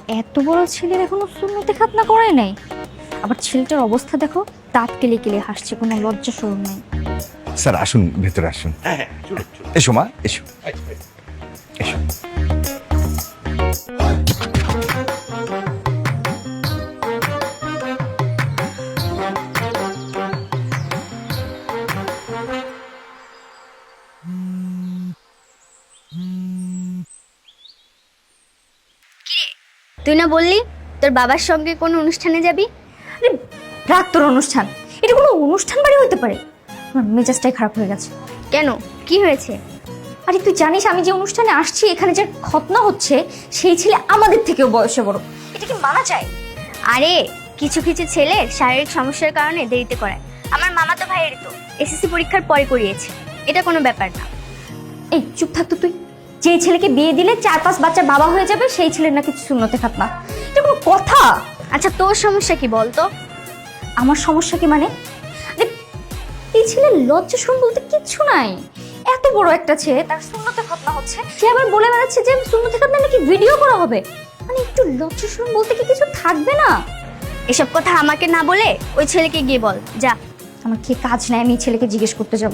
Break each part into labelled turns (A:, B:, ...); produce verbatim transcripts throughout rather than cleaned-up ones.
A: এত বড় ছেলের এখনো সুন্নতে খাতনা করে নাই, আবার ছেলেটার অবস্থা দেখো, দাঁত কেলে কেলে হাসছে, কোনো লজ্জা শরম নাই।
B: স্যার আসুন, ভেতরে আসুন।
C: হ্যাঁ হ্যাঁ চলুন চলুন।
B: এসো মা, এসো এসো।
D: তুই না বললি তোর বাবার সঙ্গে কোনো অনুষ্ঠানে যাবি?
A: আরে রাত তোর অনুষ্ঠান, এটা কোনো অনুষ্ঠান বাড়ি হতে পারে? আমার মেজাজটাই খারাপ হয়ে গেছে।
D: কেন, কি হয়েছে?
A: আরে তুই জানিস আমি যে অনুষ্ঠানে আসছি, এখানে যে খতনা হচ্ছে সেই ছেলে আমাদের থেকেও বয়সে বড়, এটা কি মানা যায়?
D: আরে কিছু কিছু ছেলের শারীরিক সমস্যার কারণে দেরিতে করায়। আমার মামাতো ভাইয়ের তো এসএসসি পরীক্ষার পরে করিয়েছে, এটা কোনো ব্যাপার না।
A: এই চুপ থাকতো তুই। যে ছেলেকে বিয়ে দিলে চার পাঁচ বাচ্চার বাবা হয়ে যাবে সেই ছেলের নাকি সুন্নতে খাতনা, এটা কোনো কথা?
D: আচ্ছা তোর সমস্যা কি বলতো?
A: আমার সমস্যা কি মানে? আরে এই ছেলের লজ্জা শরম বলতে কিচ্ছু নাই। এত বড় একটা ছেলে, তার সুন্নতে খাতনা হচ্ছে, সে আবার বলে বেড়াচ্ছে যে সুন্নতে খাতনা নাকি ভিডিও করা হবে। মানে একটু লজ্জা শরম বলতে কি কিছু থাকবে না?
D: এসব কথা আমাকে না বলে ওই ছেলেকে গিয়ে বল, যা।
A: আমার কি কাজ নাই আমি এই ছেলেকে জিজ্ঞেস করতে যাব?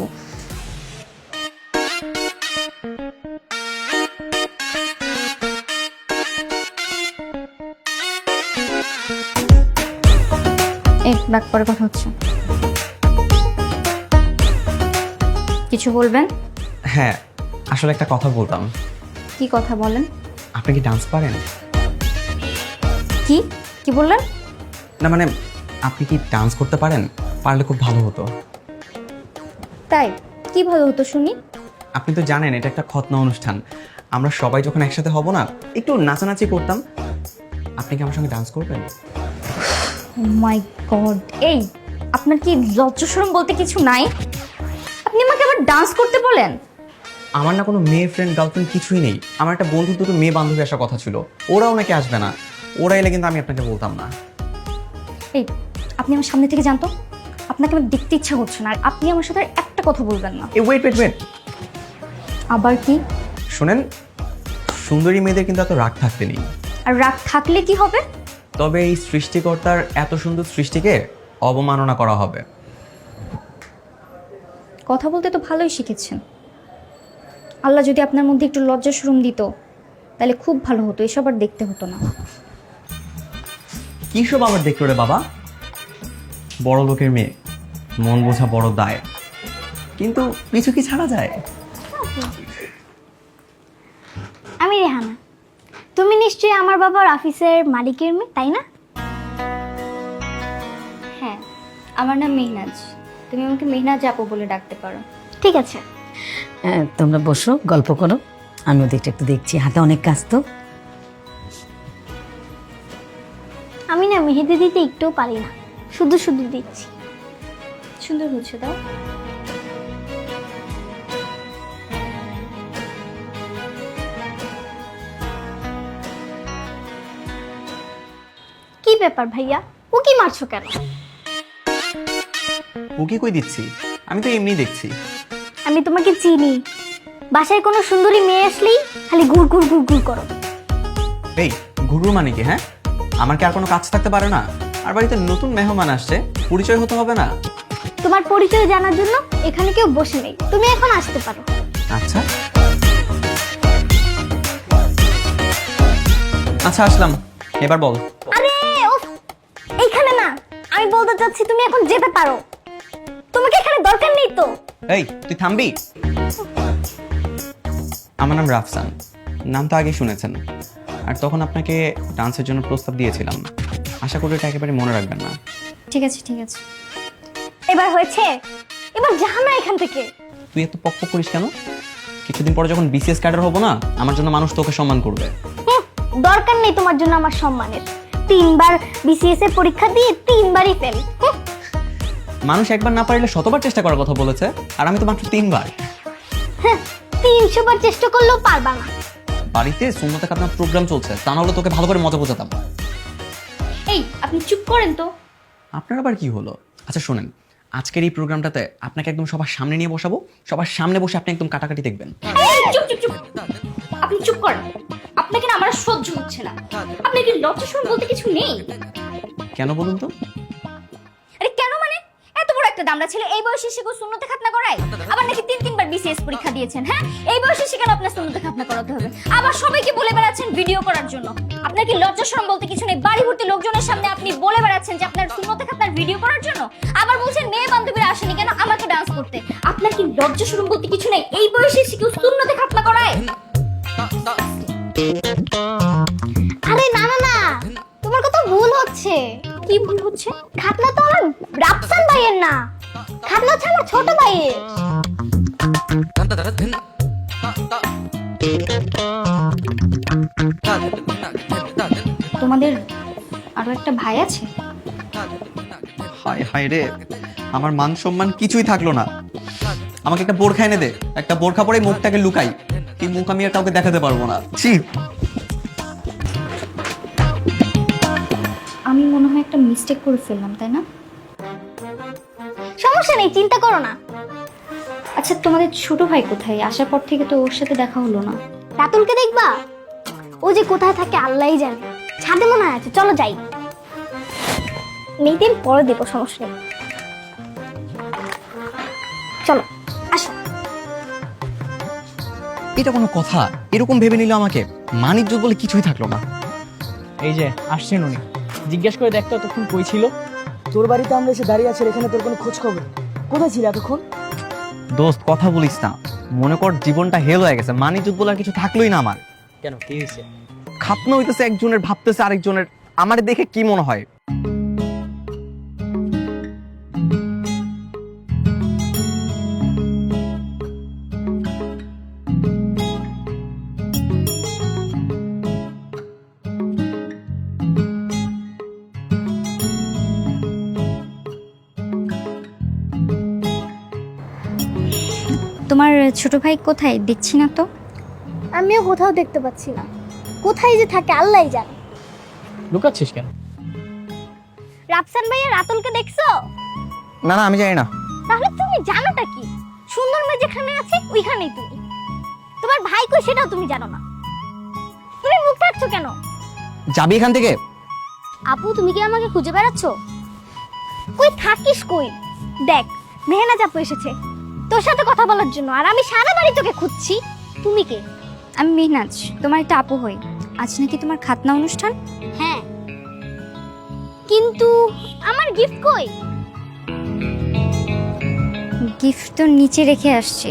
A: এক ডাক পরে কথা হচ্ছে, কিছু বলবেন?
E: হ্যাঁ, আসলে একটা কথা বলতাম।
A: কি কথা বলেন?
E: আপনি কি ডান্স পারেন?
A: কি কি বললেন?
E: না মানে আপনি কি ডান্স করতে পারেন? পারলে খুব ভালো হতো।
A: তাই কি ভালো হতো শুনি।
E: আপনি তো জানেন এটা একটা খতনা অনুষ্ঠান, আমরা সবাই যখন একসাথে হব না, একটু নাচানাচি করতাম। আপনি কি আমার সঙ্গে ডান্স করবেন?
A: মাই গড, এই আপনার কি লজ্জা শরম বলতে কিছু নাই? আপনি আমাকে আবার ডান্স করতে বলেন?
E: আমার না কোনো মেয়ে ফ্রেন্ড গার্লফ্রেন্ড কিছুই নেই। আমার একটা বন্ধু, দুটো মেয়ে বান্ধবী আসার কথা ছিল, ওরাও নাকি আসবে না। ওরা এলে কিন্তু আমি আপনাকে বলতাম না।
A: এই আপনি আমার সামনে থেকে জানতো, আপনাকে আমার দেখতে ইচ্ছা হচ্ছে না, আর আপনি আমার সাথে আর একটা কথা বলবেন না।
E: এই ওয়েট ওয়েট ওয়েট
A: আবার কি?
E: শোনেন, সুন্দরী মেয়েদের কিন্তু এত রাগ থাকতে নেই।
A: আর রাগ থাকলে কি হবে?
E: তবে এই সৃষ্টিকর্তার এত সুন্দর সৃষ্টিকে অবমাননা করা হবে।
A: কথা বলতে তো ভালোই শিখেছেন। আল্লাহ যদি আপনার মধ্যে একটু লজ্জা শরম দিত তাহলে খুব ভালো হতো, এসব আর দেখতে হতো না।
E: কি সব আবার দেখলো রে বাবা? বড় লোকের মেয়ে, মন বোঝা বড় দায়, কিন্তু কিছু কি ছাড়া যায়?
D: আমি রেহানা, তুমি নিশ্চয়ই আমার বাবার অফিসের মালিকের মেয়ে, তাই না?
A: হ্যাঁ, আমার নাম মেহনাজ, তুমি আমাকে মেহনাজ আপু বলে ডাকতে পারো।
D: ঠিক আছে।
F: হ্যাঁ, তোমরা বসো, গল্প করো, আমি ওদিকটা একটু দেখছি, হাতে অনেক কাজ তো।
D: আমি না মেহেদি দিতে একটুও পারি না, শুধু শুধু দিচ্ছি।
A: সুন্দর হচ্ছে, দাও।
D: কি ব্যাপার ভাইয়া, ও কি মারছো কেন?
E: ও কি কই দিচ্ছি, আমি তো এমনি দেখছি।
D: আমি তোমাকে চিনি, বাসায় কোনো সুন্দরী মেয়ে আসলেই খালি ঘুর ঘুর ঘুর ঘুর করো।
E: এই ঘুরু মানে কি? হ্যাঁ, আমার কি আর কোনো কাজ থাকতে পারে না? আর বাড়িতে নতুন মেহমান আসছে, পরিচয় হতে হবে না?
D: তোমার পরিচয় জানার জন্য এখানে কেউ বসে নেই, তুমি এখন আসতে পারো।
E: আচ্ছা আচ্ছা আসলাম, এবার বল।
D: আরে উফ, এইখানে না, আমি বলতে চাচ্ছি তুমি এখন যেতে পারো, তোমাকে এখানে দরকার নেই তো।
E: এই তুই থামবি? আমার নাম রাফসান, নাম তো আগে শুনেছেন, আর তখন আপনাকে ডান্সের জন্য প্রস্তাব দিয়েছিলাম। আশা করি এটা একেবারে মনে রাখবেন না।
A: ঠিক আছে ঠিক আছে।
D: এবার হয়েছে, এবার যাও না এখান থেকে।
E: তুই এত পক পক করিস কেন? কিছুদিন পরে যখন বিসিএস ক্যাডার হবো না, আমার জন্য মানুষ তোকে সম্মান করবে।
D: হুঁ, দরকার নেই তোমার জন্য আমার সম্মানের। তিনবার বিসিএস এর পরীক্ষা দিয়ে তিনবারই ফেল।
E: মানুষ একবার না পারলে শতবার চেষ্টা করার কথা বলেছে, আর আমি তো মাত্র তিনবার।
D: হ্যাঁ, তিনশো বার চেষ্টা করলেও পারবা না।
E: বাড়িতে সুন্নতে খাতনা প্রোগ্রাম চলছে, তা নাহলে তোকে ভালো করে মজা বোঝাতাম।
A: এই আপনি চুপ করেন তো।
E: আপনার আবার কি হলো? আচ্ছা শোনেন, আজকের এই প্রোগ্রামটাতে আপনাকে একদম সবার সামনে নিয়ে বসাবো, সবার সামনে বসে আপনি একদম কাটাকাটি দেখবেন।
A: এই, চুপ চুপ চুপ। আপনি চুপ করেন। আপনাকে না আমার আর সহ্য হচ্ছে না। আপনি কি লজ্জা শরম বলতে কিছু নেই?
E: কেন বলুন তো?
A: আরে কেন মানে, এত বড় একটা দামড়া ছেলে এই বয়সে সে সুন্নতে খাতনা করায়? আবার নাকি তিন তিনবার বিসিএস পরীক্ষা দিয়েছেন। হ্যাঁ, এই বয়সে সে কেন আপনার সুন্নতে খাতনা করাতে হবে? আবার সবাইকে বলে বেড়াচ্ছেন ভিডিও করার জন্য। আপনার কি লজ্জা শরম বলতে কিছু নেই? বাড়ি ভর্তি লোকজনের সামনে আপনি বলে বেড়াচ্ছেন যে আপনার সুন্নতে খাতনার ভিডিও করার জন্য। আবার বলছেন মেয়ে বান্ধবীরা আসেনি কেন আমাকে ডান্স করতে। আপনার কি লজ্জা শরম বলতে কিছু নেই? এই বয়সে সে কেউ সুন্নতে খাতনা করায়?
D: আরে না না না, তোমার কথা ভুল হচ্ছে।
A: কি ভুল হচ্ছে?
D: খাতনা তো আমার রাফসান ভাইয়ের না, খাতনা হচ্ছে আমার ছোট ভাইয়ের।
A: তোমাদের আরো একটা ভাই আছে?
E: হায় হায় রে, আমার মান সম্মান কিছুই থাকলো না। আমাকে একটা বোরখা এনে দে, একটা বোরখা পরে মুখটাকে লুকাই। এই মুখ আমি আর কাউকে দেখাতে পারবো না। ছি।
A: আমি মনে হয় একটা মিস্টেক করে ফেললাম, তাই না?
D: সমস্যা নেই, চিন্তা করো না।
A: আচ্ছা, তোমাদের ছোট ভাই কোথায়? আসার পর থেকে তো ওর সাথে দেখা হলো না।
D: রাতুলকে দেখবা? ও যে কোথায় থাকে আল্লাহই জানে। ছাদে মনে হয় আছে, চলো যাই। মেয়েদের পরে দেবো, সমস্যা নেই। চলো আসো।
E: এটা কোনো কথা? এরকম ভেবে নিল আমাকে? মানিজ্য বলে কিছুই থাকলো না।
C: এই যে আসছেন উনি, জিজ্ঞেস করে দেখতো এতক্ষণ কই ছিল। তোর বাড়িতে আমরা এসে দাঁড়িয়ে আছি, এখানে তোর কোনো খোঁজ খবর নেই। কোথায় ছিল এতক্ষণ?
E: দোস্ত কথা বলিস না, মনে কর জীবনটা হেল হয়ে গেছে। মানিজ্য বলে আর কিছু থাকলোই না আমার।
C: কেন, কি হয়েছে?
E: খাতনা হইতেছে একজনের, ভাবতেছে আরেকজনের। আমার দেখে কি মনে হয়?
A: তোমার ছোট ভাই কোথায়? দেখছি না তো।
D: আমিও কোথাও দেখতে পাচ্ছি না, কোথায় যে থাকে আল্লাহই জানে।
C: লুকাচ্ছিস কেন?
D: রাফসান ভাইয়া রাতুলকে দেখছো?
E: না না, আমি জানি না।
D: তাহলে তুমি জানোটা কি? সুন্দর মেয়ে যেখানে আছে ওইখানেই তুমি। তোমার ভাই কই সেটাও তুমি জানো না। তুমি মুখ থাকছো কেন?
E: যাবি এখান থেকে?
D: আপু, তুমি কি আমাকে খুঁজে বেড়াচ্ছ? কই থাকিস কই? দেখ, মেহনাজ আপু এসেছে তোর সাথে কথা বলার জন্য, আর আমি সারা বাড়ি তোকে খুঁজছি। তুমি কে?
A: আমি মেহনাজ, তোমার একটা আপু হই। আজ নাকি তোমার খাতনা অনুষ্ঠান?
D: হ্যাঁ, কিন্তু আমার গিফট কই?
A: গিফট তো নিচে রেখে আসছি।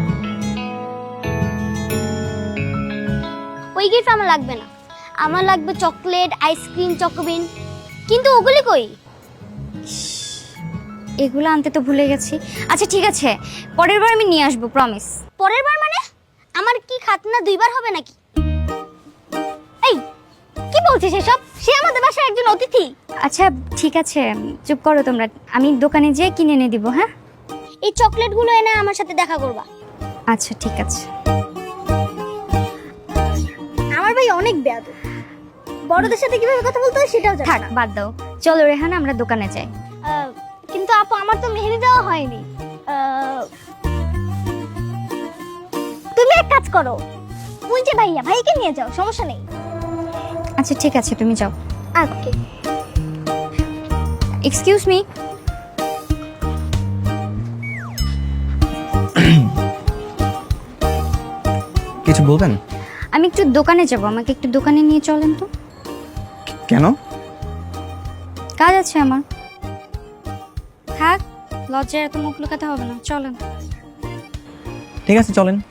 D: ওই গিফট আমার লাগবে না, আমার লাগবে চকলেট, আইসক্রিম, চকোবিন। কিন্তু ওগুলি কই?
A: এগুলো আনতে তো ভুলে গেছি। আচ্ছা ঠিক আছে, পরের বার আমি নিয়ে আসবো, প্রমিস।
D: পরের বার মানে? আমার কি খাতনা দুইবার হবে নাকি? এই কি বলছিস এসব? সে আমাদের বাসার একজন অতিথি।
A: আচ্ছা ঠিক আছে, চুপ করো তোমরা। আমি দোকানে যেয়ে কিনে এনে দিব। হ্যাঁ,
D: এই চকলেটগুলো এনে আমার সাথে দেখা করবা।
A: আচ্ছা ঠিক আছে।
D: আমার ভাই অনেক বেয়াদব, বড়দের সাথে কিভাবে কথা বলতে হয় সেটাও জানে
A: থাক,
D: না।
A: বাদ দাও। চলো রেহানা, আমরা দোকানে যাই।
D: আহ, কিন্তু আপু, আমার তো মেহেদি দেওয়া হয়নি। আহ, তুমি এক কাজ করো, ওই যে ভাইয়া, ভাইকে নিয়ে যাও, সমস্যা নেই।
A: আচ্ছা ঠিক আছে, তুমি যাও।
D: ওকে।
A: Excuse me.
E: কিছু বলবেন?
A: আমি একটু দোকানে যাব, আমাকে একটু দোকানে নিয়ে চলেন তো।
E: কেন?
A: কাজ আছে আমার। থাক, লজ্জায় এত মুখ লুকাতে হবে না, চলেন।
E: ঠিক আছে, চলেন।